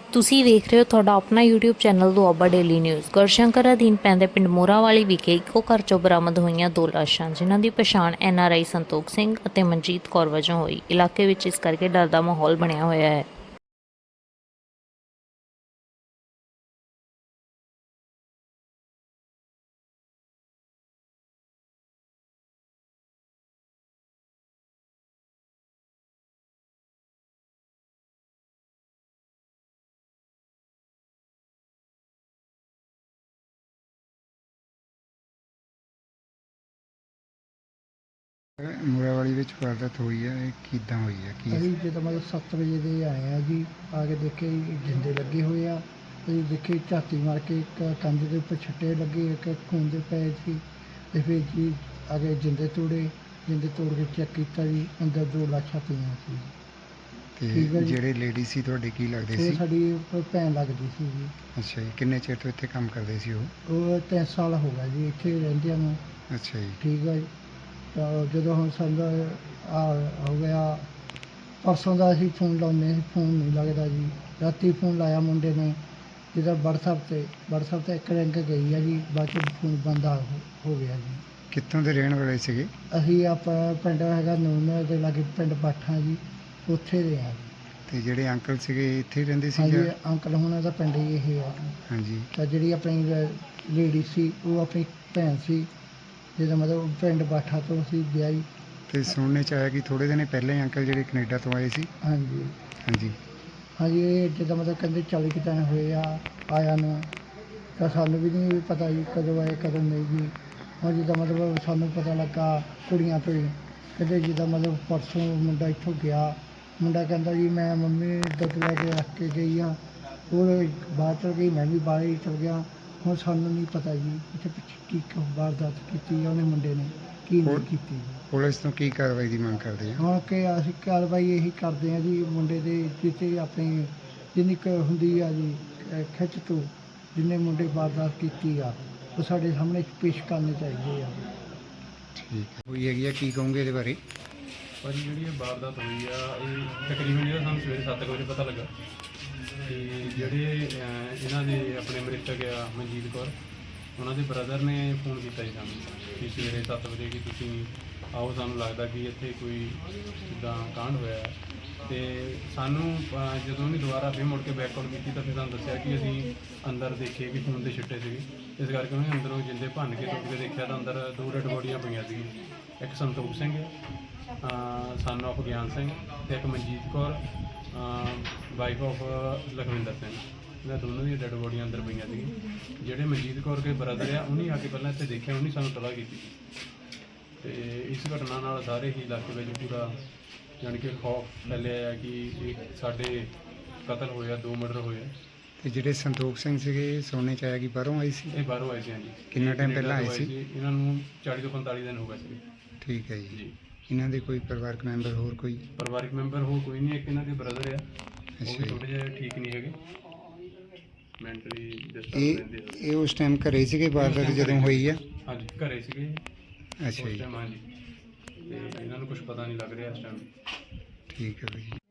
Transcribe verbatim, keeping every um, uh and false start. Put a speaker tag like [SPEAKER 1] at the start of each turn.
[SPEAKER 1] ਤੁਸੀਂ ਵੇਖ ਰਹੇ ਹੋ ਤੁਹਾਡਾ ਆਪਣਾ YouTube channel Doaba daily news. Gurshankar ਅਧੀਨ ਪੈਂਦੇ ਪਿੰਡ ਮੋਰਾਵਾਲੀ ਵਿਖੇ ਇੱਕੋ ਘਰ ਚੋਂ ਬਰਾਮਦ ਹੋਈਆਂ ਦੋ ਲਾਸ਼ਾਂ, ਜਿਨ੍ਹਾਂ ਦੀ ਪਛਾਣ ਐਨ ਆਰ ਆਈ ਸੰਤੋਖ ਸਿੰਘ ਅਤੇ ਮਨਜੀਤ ਕੌਰ ਵਜੋਂ ਹੋਈ। ਇਲਾਕੇ ਵਿੱਚ ਇਸ ਕਰਕੇ ਡਰ ਦਾ ਮਾਹੌਲ ਬਣਿਆ ਹੋਇਆ ਹੈ।
[SPEAKER 2] ਮੋਰਾਵਾਲੀ ਵਿੱਚ ਵਾਰਦਾਤ ਹੋਈ ਹੈ, ਇਹ ਕਿੱਦਾਂ ਹੋਈ ਹੈ? ਕੀ
[SPEAKER 3] ਅਸੀਂ ਜਦੋਂ ਮਤਲਬ ਸੱਤ ਵਜੇ ਦੇ ਆਏ ਆ ਜੀ, ਆ ਕੇ ਦੇਖੇ ਜਿੰਦੇ ਲੱਗੇ ਹੋਏ ਆ। ਅਸੀਂ ਦੇਖੇ ਝਾਤੀ ਮਾਰ ਕੇ ਇੱਕ ਕੰਧ ਦੇ ਉੱਪਰ ਛੱਟੇ ਲੱਗੇ, ਇੱਕ ਖੂਨ ਦੇ ਪਏ ਸੀ। ਤੇ ਫਿਰ ਜੀ ਆ ਕੇ ਜਿੰਦੇ ਤੋੜੇ, ਜਿੰਦੇ ਤੋੜ ਕੇ ਚੈੱਕ ਕੀਤਾ ਜੀ, ਅੰਦਰ ਦੋ ਲਾਸ਼ਾਂ ਪਈਆਂ ਸੀ। ਠੀਕ
[SPEAKER 2] ਤੇ
[SPEAKER 3] ਹੈ ਜੀ।
[SPEAKER 2] ਜਿਹੜੇ ਲੇਡੀ ਸੀ ਤੁਹਾਡੇ ਕੀ ਲੱਗਦੇ
[SPEAKER 3] ਇਹ
[SPEAKER 2] ਸੀ?
[SPEAKER 3] ਸਾਡੀ ਭੈਣ ਲੱਗਦੀ ਸੀ ਜੀ।
[SPEAKER 2] ਅੱਛਾ ਜੀ, ਕਿੰਨੇ ਚਿਰ ਤੋਂ ਇੱਥੇ ਕੰਮ ਕਰਦੇ ਸੀ ਉਹ?
[SPEAKER 3] ਉਹ ਤਿੰਨ ਸਾਲ ਹੋ ਗਿਆ ਜੀ ਇੱਥੇ ਰਹਿੰਦਿਆਂ ਨੂੰ।
[SPEAKER 2] ਅੱਛਾ ਜੀ।
[SPEAKER 3] ਠੀਕ ਹੈ ਜੀ। ਤਾਂ ਜਦੋਂ ਹੁਣ ਸਾਨੂੰ ਆ ਹੋ ਗਿਆ ਪਰਸੋਂ ਦਾ ਅਸੀਂ ਫੋਨ ਲਾਉਂਦੇ ਸੀ, ਫੋਨ ਨਹੀਂ ਲੱਗਦਾ ਜੀ। ਰਾਤੀ ਫੋਨ ਲਾਇਆ ਮੁੰਡੇ ਨੇ, ਜਿਹਦਾ ਵਟਸਐਪ 'ਤੇ ਵਟਸਐਪ 'ਤੇ ਇੱਕ ਰਿੰਗ ਗਈ ਆ ਜੀ, ਬਾਅਦ 'ਚ ਫੋਨ ਬੰਦ ਆ ਹੋ ਹੋ ਗਿਆ ਜੀ।
[SPEAKER 2] ਕਿੱਥੋਂ ਦੇ ਰਹਿਣ ਵਾਲੇ ਸੀਗੇ?
[SPEAKER 3] ਅਸੀਂ ਆਪਣਾ ਪਿੰਡ ਹੈਗਾ ਨੂਨ ਦੇ ਲਾਗੇ ਪਿੰਡ ਬਾਠਾ ਜੀ, ਉੱਥੇ ਦੇ ਆ ਜੀ।
[SPEAKER 2] ਤੇ ਜਿਹੜੇ ਅੰਕਲ ਸੀਗੇ ਇੱਥੇ ਹੀ ਰਹਿੰਦੇ ਸੀ
[SPEAKER 3] ਹਾਂਜੀ,
[SPEAKER 2] ਜਾਂ?
[SPEAKER 3] ਅੰਕਲ ਹੁਣਾਂ ਦਾ ਪਿੰਡ ਹੀ ਇਹ ਆ ਜੀ।
[SPEAKER 2] ਹਾਂਜੀ।
[SPEAKER 3] ਤਾਂ ਜਿਹੜੀ ਆਪਣੀ ਲੇਡੀ ਸੀ ਉਹ ਆਪਣੀ ਭੈਣ ਸੀ, ਜਿਹਦਾ ਮਤਲਬ ਪਿੰਡ ਬਾਠਾ ਤੋਂ ਸੀ ਵਿਆਹੀ।
[SPEAKER 2] ਤੇ ਸੁਣਨੇ ਚ ਆਇਆ ਕਿ ਥੋੜੇ ਦਿਨ ਪਹਿਲਾਂ ਹੀ ਅੰਕਲ ਜਿਹੜੇ ਕੈਨੇਡਾ ਤੋਂ ਆਏ ਸੀ?
[SPEAKER 3] ਹਾਂਜੀ
[SPEAKER 2] ਹਾਂਜੀ।
[SPEAKER 3] ਹਾਂਜੀ, ਇਹ ਜਿੱਦਾਂ ਮਤਲਬ ਕਹਿੰਦੇ ਚਾਲੀ ਕੁ ਦਿਨ ਹੋਏ ਆ ਆਇਆ ਨੂੰ। ਤਾਂ ਸਾਨੂੰ ਵੀ ਨਹੀਂ ਪਤਾ ਜੀ ਕਦੋਂ ਆਏ ਕਦੋਂ ਨਹੀਂ ਜੀ। ਹੁਣ ਜਿੱਦਾਂ ਮਤਲਬ ਸਾਨੂੰ ਪਤਾ ਲੱਗਾ ਕੁੜੀਆਂ ਤੋਂ ਹੀ, ਕਹਿੰਦੇ ਜਿੱਦਾਂ ਮਤਲਬ ਪਰਸੋਂ ਮੁੰਡਾ ਇੱਥੋਂ ਗਿਆ, ਮੁੰਡਾ ਕਹਿੰਦਾ ਜੀ ਮੈਂ ਮੰਮੀ ਦੁੱਧ ਲੈ ਕੇ ਰੱਖ ਕੇ ਗਈ ਆ, ਉਹ ਬਾਹਰ ਚਲ ਗਈ, ਮੈਂ ਵੀ ਬਾਹਰ ਹੀ ਚਲ ਗਿਆ। ਹੁਣ ਸਾਨੂੰ ਨਹੀਂ ਪਤਾ ਜੀ ਇੱਥੇ ਪਿੱਛੇ ਕੀ ਵਾਰਦਾਤ ਕੀਤੀ ਆ ਉਹਨੇ ਮੁੰਡੇ ਨੇ, ਕੀ ਨਹੀਂ ਕੀਤੀ ਜੀ।
[SPEAKER 2] ਪੁਲਿਸ ਤੋਂ ਕੀ ਕਾਰਵਾਈ ਦੀ ਮੰਗ ਕਰਦੇ ਆ?
[SPEAKER 3] ਹੁਣ ਕਿ ਅਸੀਂ ਕਾਰਵਾਈ ਇਹੀ ਕਰਦੇ ਹਾਂ ਜੀ, ਮੁੰਡੇ ਦੇ ਜਿੱਤੇ ਆਪਣੀ ਜਿੰਨੀ ਕੁ ਹੁੰਦੀ ਆ ਜੀ ਅਹ ਖਿੱਚ ਤੋਂ, ਜਿੰਨੇ ਮੁੰਡੇ ਵਾਰਦਾਤ ਕੀਤੀ ਆ ਉਹ ਸਾਡੇ ਸਾਹਮਣੇ ਪੇਸ਼ ਕਰਨੇ ਚਾਹੀਦੇ ਆ।
[SPEAKER 2] ਠੀਕ ਹੈ। ਹੋਈ ਹੈਗੀ ਆ, ਕੀ ਕਹੋਗੇ ਇਹਦੇ ਬਾਰੇ?
[SPEAKER 4] ਭਾਜੀ ਜਿਹੜੀ ਇਹ ਵਾਰਦਾਤ ਹੋਈ ਆ, ਇਹ ਤਕਰੀਬਨ ਜਿਹੜਾ ਸਾਨੂੰ ਸਵੇਰੇ ਸੱਤ ਕੁ ਵਜੇ ਪਤਾ ਲੱਗਾ ਕਿ ਜਿਹੜੇ ਅਹ, ਇਹਨਾਂ ਦੇ ਆਪਣੇ ਮ੍ਰਿਤਕ ਆ ਮਨਜੀਤ ਕੌਰ, ਉਹਨਾਂ ਦੇ ਬ੍ਰਦਰ ਨੇ ਫੋਨ ਕੀਤਾ ਜੀ ਸਾਨੂੰ ਕਿ ਸਵੇਰੇ ਸੱਤ ਵਜੇ ਕਿ ਤੁਸੀਂ ਆਓ, ਸਾਨੂੰ ਲੱਗਦਾ ਕਿ ਇੱਥੇ ਕੋਈ ਜਿੱਦਾਂ ਕਾਂਡ ਹੋਇਆ ਹੈ। ਅਤੇ ਸਾਨੂੰ ਅਹ, ਜਦੋਂ ਉਹਨੇ ਦੁਬਾਰਾ ਫਿਰ ਮੁੜ ਕੇ ਬੈਕਆਊਟ ਕੀਤੀ ਤਾਂ ਫਿਰ ਸਾਨੂੰ ਦੱਸਿਆ ਕਿ ਅਸੀਂ ਅੰਦਰ ਦੇਖੇ ਕਿ ਖੂਨ ਦੇ ਛਿੱਟੇ ਸੀਗੇ। ਇਸ ਕਰਕੇ ਉਹਨੇ ਅੰਦਰੋਂ ਜਿੰਦੇ ਭੰਨ ਕੇ ਟੁੱਟ ਕੇ ਦੇਖਿਆ ਤਾਂ ਅੰਦਰ ਦੋ ਡੈਡ ਬੋਡੀਆਂ ਪਈਆਂ ਸੀਗੀਆਂ। ਇੱਕ ਸੰਤੋਖ ਸਿੰਘ ਸਨ ਆਫ ਗਿਆਨ ਸਿੰਘ ਅਤੇ ਇੱਕ ਮਨਜੀਤ ਕੌਰ ਵਾਈਫ ਆਫ ਲਖਵਿੰਦਰ ਸਿੰਘ। ਇਹਨਾਂ ਦੋਨੋਂ ਦੀਆਂ ਡੈਡ ਬੋਡੀਆਂ ਅੰਦਰ ਪਈਆਂ ਸੀਗੀਆਂ। ਜਿਹੜੇ ਮਨਜੀਤ ਕੌਰ ਦੇ ਬ੍ਰਦਰ ਆ, ਉਹਨੇ ਆ ਕੇ ਪਹਿਲਾਂ ਇੱਥੇ ਦੇਖਿਆ, ਉਹਨੇ ਸਾਨੂੰ ਤਲਾਹ ਕੀਤੀ। ਅਤੇ ਇਸ ਘਟਨਾ ਨਾਲ ਸਾਰੇ ਹੀ ਇਲਾਕੇ ਵਿੱਚ ਪੂਰਾ ਜਾਣੀ ਕਿ ਖੌਫ ਫੈਲਿਆ ਆ ਕਿ ਇਹ ਸਾਡੇ ਕਤਲ ਹੋਇਆ, ਦੋ ਮਰਡਰ ਹੋਏ ਆ।
[SPEAKER 2] ਤੇ ਜਿਹੜੇ ਸੰਤੋਖ ਸਿੰਘ ਸੀਗੇ ਸੁਣਨੇ ਚ ਆਇਆ ਕਿ ਬਾਹਰੋਂ ਆਏ ਸੀ?
[SPEAKER 4] ਇਹ ਬਾਹਰੋਂ ਆਏ ਸੀ। ਹਾਂਜੀ।
[SPEAKER 2] ਕਿੰਨਾ ਟਾਈਮ ਪਹਿਲਾਂ ਆਏ ਸੀ?
[SPEAKER 4] ਇਹਨਾਂ ਨੂੰ ਚਾਲੀ ਤੋਂ ਪੰਤਾਲੀ ਦਿਨ ਹੋ ਗਏ ਸੀ।
[SPEAKER 2] ਠੀਕ ਹੈ ਜੀ।
[SPEAKER 4] ਜੀ।
[SPEAKER 2] ਇਹਨਾਂ ਦੇ ਕੋਈ ਪਰਿਵਾਰਕ ਮੈਂਬਰ ਹੋਰ ਕੋਈ?
[SPEAKER 4] ਪਰਿਵਾਰਿਕ ਮੈਂਬਰ ਹੋਰ ਕੋਈ ਨਹੀਂ, ਇੱਕ ਇਹਨਾਂ ਦੇ ਬ੍ਰਦਰ ਆ, ਉਹ
[SPEAKER 2] ਅੱਛਾ
[SPEAKER 4] ਵੀ
[SPEAKER 2] ਜੀ।
[SPEAKER 4] ਥੋੜ੍ਹੇ ਜਿਹੇ ਠੀਕ ਨਹੀਂ ਹੈਗੇ, ਮੈਂਟਲੀ ਡਿਸਟਰਬ
[SPEAKER 2] ਇਹ
[SPEAKER 4] ਰਹਿੰਦੇ ਆ।
[SPEAKER 2] ਇਹ ਉਸ ਟਾਈਮ ਘਰੇ ਸੀਗੇ ਵਾਰਦਾਤ ਜਦੋਂ ਹੋਈ ਆ?
[SPEAKER 4] ਹਾਂਜੀ, ਘਰੇ ਸੀਗੇ
[SPEAKER 2] ਅੱਛਾ
[SPEAKER 4] ਉਸ
[SPEAKER 2] ਜੀ।
[SPEAKER 4] ਟਾਈਮ। ਹਾਂਜੀ। ਤੇ ਇਹਨਾਂ ਨੂੰ ਕੁਝ ਪਤਾ ਨਹੀਂ ਲੱਗ ਰਿਹਾ ਇਸ ਟਾਈਮ।
[SPEAKER 2] ਠੀਕ ਹੈ ਜੀ।